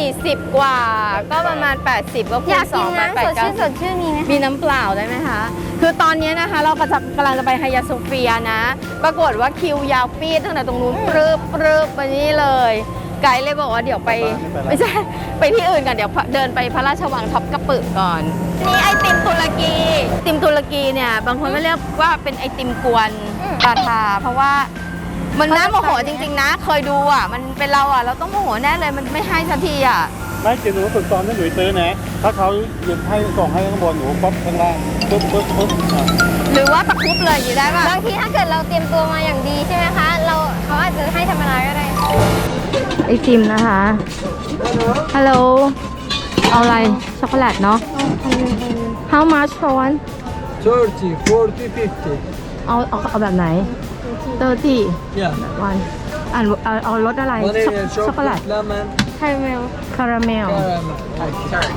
40 กว่าก็ประมาณ 80ก็คูอณยากกิน 2 น้ำสดชื่นสดชื่นมีไหมมีน้ำเปล่าได้ไหมคะ คือตอนนี้นะคะเรากำลังจะไปไฮยาโซเฟียนะ ปรากฏว่าคิวยาวปีดตั้งแต่ตรงนู้นปรึบไปนี่เลย ไกด์เลยบอกว่าเดี๋ยวไปไม่ใช่ไปที่อื่นกันเดี๋ยวเดินไปพระราชวังท็อปกระปึกก่อนนี่ไอติมตุรกีเนี่ยบางคนก็เรียกว่าเป็นไอติมกวนปาทาเพราะว่ามันน่าโมโหจริงๆนะเคยดูอ่ะมันเป็นเราอ่ะเราต้องโมโหแน่เลยมันไม่ให้สักทีอ่ะไม่เจหนูฝึกตอนนั้นหนูซื้อนะถ้าเขาหยุดให้ส่งให้ข้างบนหนูป๊อปข้างล่างปึ๊บอ่ะหรือว่าตะครุบเลยอย่างนี้ได้ป่ะบางทีถ้าเกิดเราเตรียมตัวมาอย่างดีใช่ไหมคะเขาอาจจะให้ธรรมดาก็ได้ไอติมนะคะฮัลโหลเอาอะไรช็อกโกแลตเนาะ How much for one 30, 40, 50. เอาแบบไหน30 Yeah. one เอารสอะไร Vanilla, ช็อกโกแลต chocolate, lemon, คาราเมลคาราเมล caramel.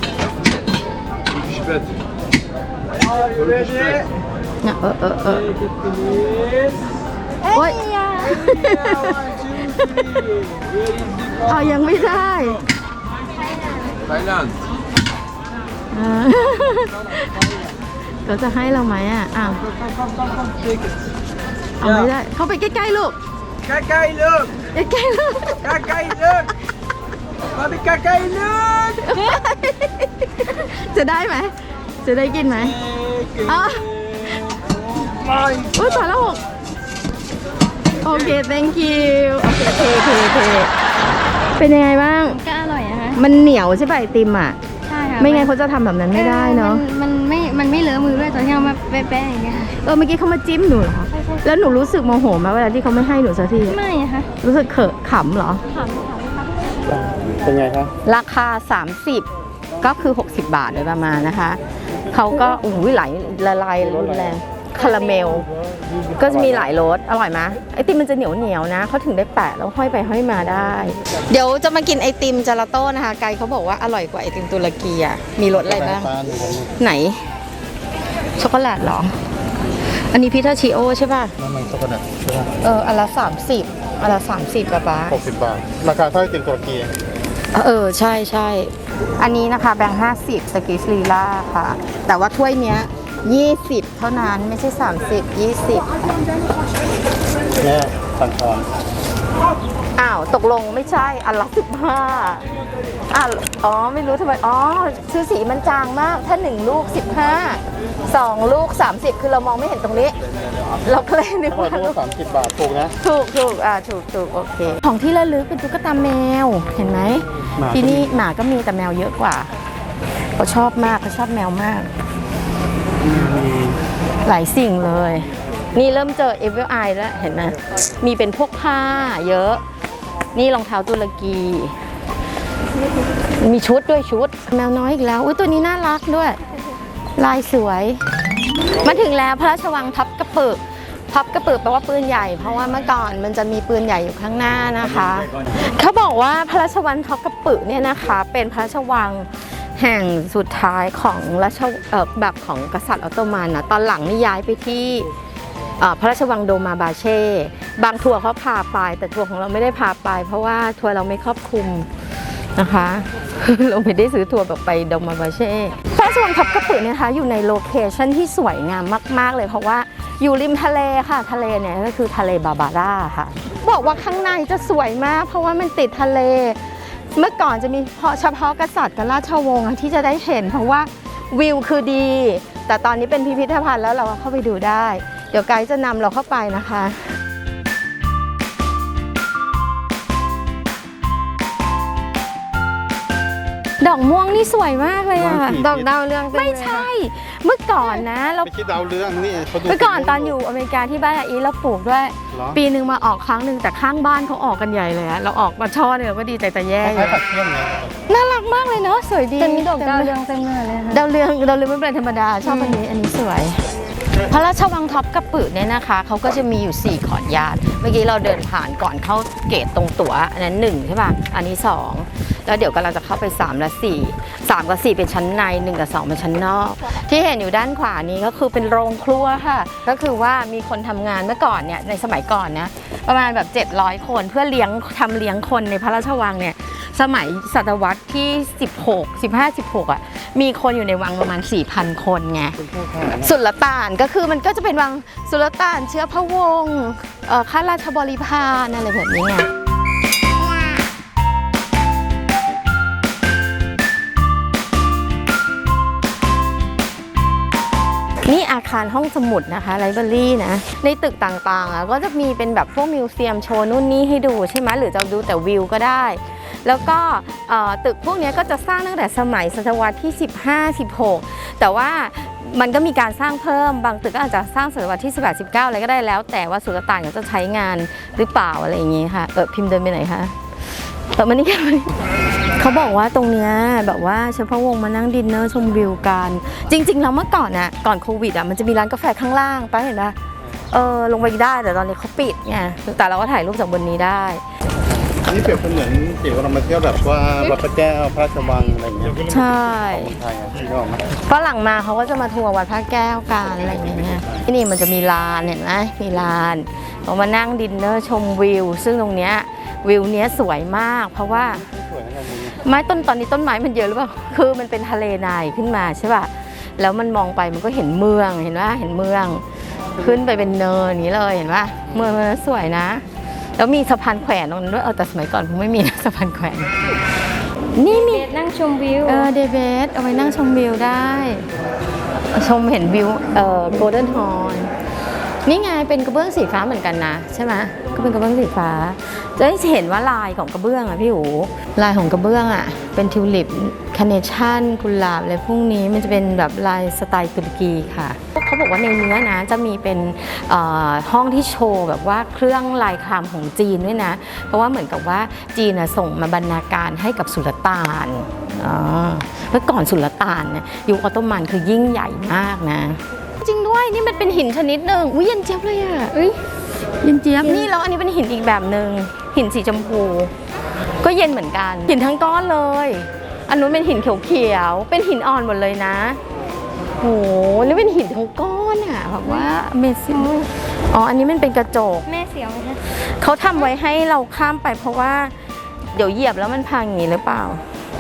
Are you ready? เนี่ย Take it, please. โอ๊ย Yeah, 1, 2, 3. Where is the เอายังไม่ได้ Thailand. อ่า เขาจะให้เราไหมอ่ะอ้าว Come, take it. เอาไม่ได้ เข้าไปใกล้ๆลูก Kakai, look. ใกล้ๆลูก Kakai, look. Papi, Kakai, look. จะได้ไหม จะได้กินไหม Take it. Ah. My อุ้ยตายแล้วโอเค thank you โอเคเป็นยังไงบ้างก็อร่อยนะคะมันเหนียวใช่ป่ะไอติมอ่ะใช่ค่ะไม่งั้นเขาจะทำแบบนั้นไม่ได้เนาะมันไม่เลอะมือด้วยตอนที่เอามาแปะๆอย่างเงี้ยค่ะเมื่อกี้เขามาจิ้มหนูเหรอ แล้วหนูรู้สึกโมโหไหมเวลาที่เขาไม่ให้หนูสักทีไม่อะค่ะรู้สึกเขอะขำเหรอเป็นไงคะราคา 30 ก็คือ 60 บาทโดยประมาณนะคะ เขาก็ไหลละลายรุนแรงคาราเมล ก็จะมีหลายรสอร่อยไหมไอติมมันจะเหนียวนะเขาถึงได้แปะแล้วห้อยไปห้อยมาได้ เดี๋ยวจะมากินไอติมเจลาโต้นะคะไกด์เขาบอกว่าอร่อยกว่าไอติมตุรกีอ่ะมีรสอะไรบ้างฟ้าหนูของหนูไหน ช็อกโกแลตเหรอ อันนี้พิทาชิโอใช่ป่ะน้ำมันช็อกโกแลตใช่ไหมอันละ30อันละ30ป๊า 60 บาท ราคาเท่าไอติมตุรกีใช่อันนี้นะคะแบงค์50สกิสลีล่าค่ะ แต่ว่าถ้วยเนี้ย20เท่านั้นไม่ใช่30 20 แม่สั่งทองอ้าวตกลงไม่ใช่อันละ15ไม่รู้ทำไมชื่อสีมันจางมากถ้า1ลูก15 2ลูก30คือเรามองไม่เห็นตรงนี้ เราก็เลยนึกถ้าว่าเราพูด30 บาทถูกนะถูกโอเคของที่ระลึกเป็นตุ๊กตาแมวเห็นไหมหมาก็มีที่นี่หมาก็มีแต่แมวเยอะกว่าเขาชอบมากเขาชอบแมวมาก หลายสิ่งเลย นี่เริ่มเจอ Evil Eye แล้วเห็นไหมมีเป็นพวกผ้าเยอะ นี่รองเท้าตุรกี มีชุดด้วยชุด แมวน้อยอีกแล้วอุ้ยตัวนี้น่ารักด้วย ลายสวย มาถึงแล้วพระราชวังทับกระปึกแปลว่าปืนใหญ่เพราะว่าเมื่อก่อนมันจะมีปืนใหญ่อยู่ข้างหน้านะคะเขาบอกว่าพระราชวังทับกระปึกเนี่ยนะคะเป็นพระราชวังแห่งสุดท้ายของแบบของกษัตริย์ออตโตมันนะตอนหลังนี่ย้ายไปที่พระราชวังโดมาบาเช่บางทัวร์เขาพาไปแต่ทัวร์ของเราไม่ได้พาไป เพราะว่าทัวร์เราไม่ครอบคลุมนะคะ เราไม่ได้ซื้อทัวร์แบบไปโดมาบาเช่พระราชวังทับกระปึกเนี่ยนะคะอยู่ในโลเคชั่นที่สวยงามมากๆเลยเพราะว่าอยู่ริมทะเลค่ะทะเลเนี่ยก็คือทะเลบาบาร่าค่ะบอกว่าข้างในจะสวยมากเพราะว่ามันติดทะเลเมื่อก่อนจะมีเฉพาะกษัตริย์กับราชวงศ์ที่จะได้เห็นเพราะว่าวิวคือดีแต่ตอนนี้เป็นพิพิธภัณฑ์แล้วเราเข้าไปดูได้เดี๋ยวไกด์จะนำเราเข้าไปนะคะดอกม่วงนี่สวยมากเลยอ่ะดอกดาวเรืองเต็มเลยไม่ใช่ เมื่อก่อนนะเราไม่คิดดาวเรืองนี่เขาดูเมื่อก่อนตอนอยู่อเมริกาที่บ้านอาอีเราปลูกด้วยเหรอปีหนึ่งมาออกครั้งหนึ่งแต่ข้างบ้านเขาออกกันใหญ่เลยอะเราออกมาช่อเนี่ยเราก็ดีใจแต่แย่คอยู่ล้ายๆผัดเที่ยงไงน่ารักมากเลยเนาะสวยดีจะมีดอกดาวเรืองเต็มเลยค่ะดาวเรืองไม่เป็นธรรมดาชอบอันนี้สวย พระราชวังท็อปกระปึกเนี่ยนะคะเขาก็จะมีอยู่4ขอดญาติเมื่อกี้เราเดินผ่านก่อนเข้าเกตตรงตั๋วอันนั้น1ใช่ป่ะอันนี้2แล้วเดี๋ยวกำลังจะเข้าไป3และ4 3 กับ 4 เป็นชั้นใน 1 กับ 2 เป็นชั้นนอก ที่เห็นอยู่ด้านขวานี้ก็คือเป็นโรงครัวค่ะ ก็คือว่ามีคนทำงานเมื่อก่อนเนี่ยในสมัยก่อนนะประมาณแบบ700 คนเพื่อเลี้ยงคนในพระราชวังเนี่ยสมัยศตวรรษที่ 16 อ่ะมีคนอยู่ในวังประมาณ 4,000 คนไงเป็นพวกทหารสุลต่านก็คือมันก็จะเป็นวังสุลต่านเชื้อพระวงศ์ข้าราชบริพารอะไรแบบนี้ไงนี่อาคารห้องสมุดนะคะไลบรารีนะในตึกต่างๆก็จะมีเป็นแบบพวกมิวเซียมโชว์นู่นนี่ให้ดูใช่ไหมหรือจะดูแต่วิวก็ได้แล้วก็ตึกพวกนี้ก็จะสร้างตั้งแต่สมัยศตวรรษที่ 15-16 แต่ว่ามันก็มีการสร้างเพิ่มบางตึกก็อาจจะสร้างศตวรรษที่ 18-19 อะไรก็ได้แล้วแต่ว่าสุลต่านเขาจะใช้งานหรือเปล่าอะไรอย่างงี้ค่ะพิมพ์เดินไปไหนคะมานี่กันเขาบอกว่าตรงเนี้ยแบบว่าเฉพาะวงมานั่งดินเนอร์ชมวิวกันจริงๆแล้วเมื่อก่อนน่ะก่อนโควิดมันจะมีร้านกาแฟข้างล่างป้าเห็นปะลงไปได้แต่ตอนนี้เขาปิดไงแต่เราก็ถ่ายรูปจากบนนี้ได้นี่เปรียบเสมือนเกี่ยวกับเรามาเที่ยวแบบว่าวัดพระแก้วพระราชวังอะไรอย่างเงี้ยใช่ของไทยอ่ะที่ออกมาฝรั่งมาเขาก็จะมาทัวร์วัดพระแก้วกันอะไรอย่างเงี้ยที่นี่มันจะมีลานเห็นไหมมีลานเรามานั่งดินเนอร์ชมวิวซึ่งตรงเนี้ยวิวเนี้ยสวยมากเพราะว่าสวยนะครับไม้ตอนนี้ต้นไม้มันเยอะหรือเปล่าคือมันเป็นทะเลทรายขึ้นมาใช่ป่ะแล้วมันมองไปมันก็เห็นเมืองเห็นว่าเห็นเมืองขึ้นไปเป็นเนินอย่างนี้เลยเห็นป่ะเมืองมันสวยนะแล้วมีสะพานแขวนตรงนั้นด้วยแต่สมัยก่อนคงไม่มีนะสะพานแขวนนี่มีนั่งชมวิวเดเบสเอาไว้นั่งชมวิวได้ชมเห็นวิวโกลเด้นฮอร์นนี่ไงเป็นกระเบื้องสีฟ้าเหมือนกันนะใช่ไหมก็เป็นกระเบื้องสีฟ้าจะได้เห็นว่าลายของกระเบื้องอ่ะพี่หูลายของกระเบื้องอ่ะเป็นทิวลิปคาร์เนชั่นกุหลาบอะไรพวกนี้มันจะเป็นแบบลายสไตล์ตุรกีค่ะเขาบอกว่าในเนื้อนะจะมีเป็นห้องที่โชว์แบบว่าเครื่องลายครามของจีนด้วยนะเพราะว่าเหมือนกับว่าจีนส่งมาบรรณาการให้กับสุลต่านเมื่อก่อนสุลต่านเนี่ยยุคออตโตมันคือยิ่งใหญ่มากนะจริงด้วยนี่มันเป็นหินชนิดหนึ่งอุ้ยเย็นเจี๊ยบเลยอ่ะเย็นเจี๊ยบนี่แล้วอันนี้เป็นหินอีกแบบหนึ่งหินสีชมพูก็เย็นเหมือนกันหินทั้งก้อนเลยอันนู้นเป็นหินเขียวๆเป็นหินอ่อนหมดเลยนะโหนี่เป็นหินทั้งก้อนอ่ะแบบว่าเมซิ่งอันนี้มันเป็นกระจกแม่เสียวไหมคะเขาทำไว้ให้เราข้ามไปเพราะว่าเดี๋ยวเหยียบแล้วมันพังอย่างนี้หรือเปล่า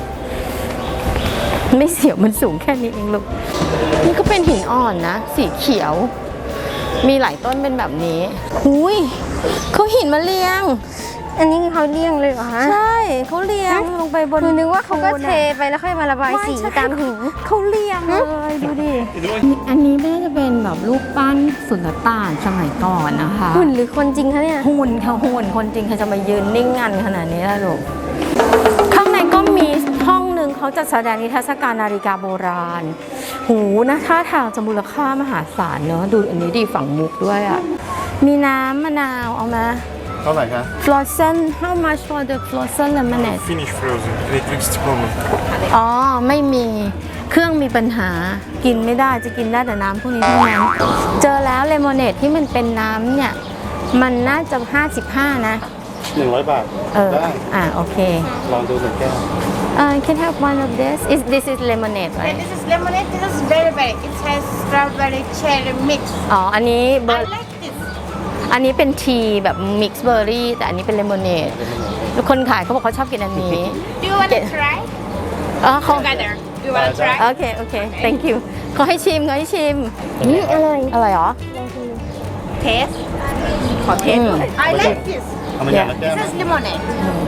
ไม่เสียวมันสูงแค่นี้เองลูกนี่ก็เป็นหินอ่อนนะสีเขียวมีหลายต้นเป็นแบบนี้หุยเขาหินมาเรียงอันนี้เขาเลี่ยงเลยเหรอคะใช่เขาเรียงลงไปบนนึกว่าเขาก็เทไปแล้วค่อยมาระบายสีตามหินเขาเรียงเลยดูดิอันนี้น่าจะเป็นแบบรูปปั้นสุลต่านสมัยก่อนนะคะหุ่นหรือคนจริงคะเนี่ยหุ่นค่ะหุ่นคนจริงใครจะมายืนนิ่งงันขนาดนี้ล่ะลูกข้างในก็มีห้องหนึ่งเขาจัดแสดงนิทรรศการนาฬิกาโบราณหูนะท่าทางจะมูลค่ามหาศาลเนอะดูอันนี้ดีฝั่งมุกด้วยอ่ะมีน้ำมะนาวเอามาเท่าไหร่คะ Frozen how much for the frozen lemonade Finish frozen. Electricity problem. ไม่มีเครื่องมีปัญหากินไม่ได้จะกินได้แต่น้ำพวกนี้เท่านั้นเจอแล้วเลมอนเนดที่มันเป็นน้ำเนี่ยมันน่าจะ55นะ 100 บาทได้โอเคลองดูหนึ่งแก้ว can have one of this is lemonade right This is lemonade. This is berry. It has strawberry cherry mix. อันนี้เบอ I ร์ like this. อันนี้เป็นทีแบบมิกซ์เบอร์รี่แต่อันนี้เป็นเลมอนเนดคนขายเขาบอกเขาชอบกินอันนี้ Do you want to try เขา together? Do you want to try? โอเค thank you เขาให้ชิมอร่อยเหรอ Taste. ขอเทสหน่อย I like this. เอามาอย่างละแก้ว This is lemonade.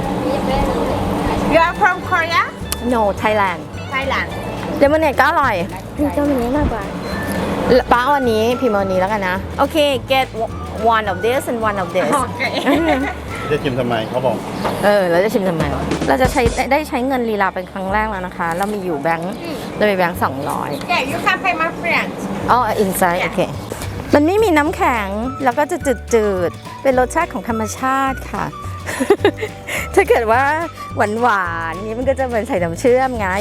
You are from Korea? no Thailand Thailand. เลมอนเนดก็อร่อยพี่เจ้ามันนี้มากกว่าป้าเอาอันนี้พิมพ์เอาอันนี้แล้วกันนะโอเค get one of this and one of this Okay. จะชิมทำไมเขาบอกเราจะชิมทำไมเราจะได้ใช้เงินลีลาเป็นครั้งแรกแล้วนะคะเรามีอยู่แบงค์เรามีแบงค์200 Yeah, you can pay my friend. inside โอเคมันไม่มีน้ำแข็งแล้วก็จะจืดๆเป็นรสชาติของธรรมชาติค่ะ ถ้าเกิดว่าหวานๆนี้มันก็จะเป็นใส่น้ำเชื่อมไง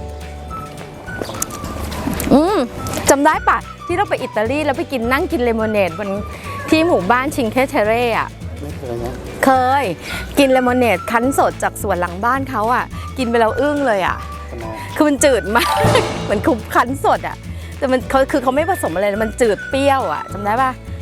จำได้ปะที่เราไปอิตาลีแล้วไปกินนั่งกินเลมอนเนดบนที่หมู่บ้านชิงเทเทเร่อะไม่เคยนะเคยกินเลมอนเนดคั้นสดจากสวนหลังบ้านเขาอะกินไปแล้วอึ้งเลยอะทำไมคือมันจืดมาก เหมือนคุบคั้นสดอ่ะแต่มันเขาคือเขาไม่ผสมอะไรเลยมันจืดเปรี้ยวอ่ะจำได้ป่ะ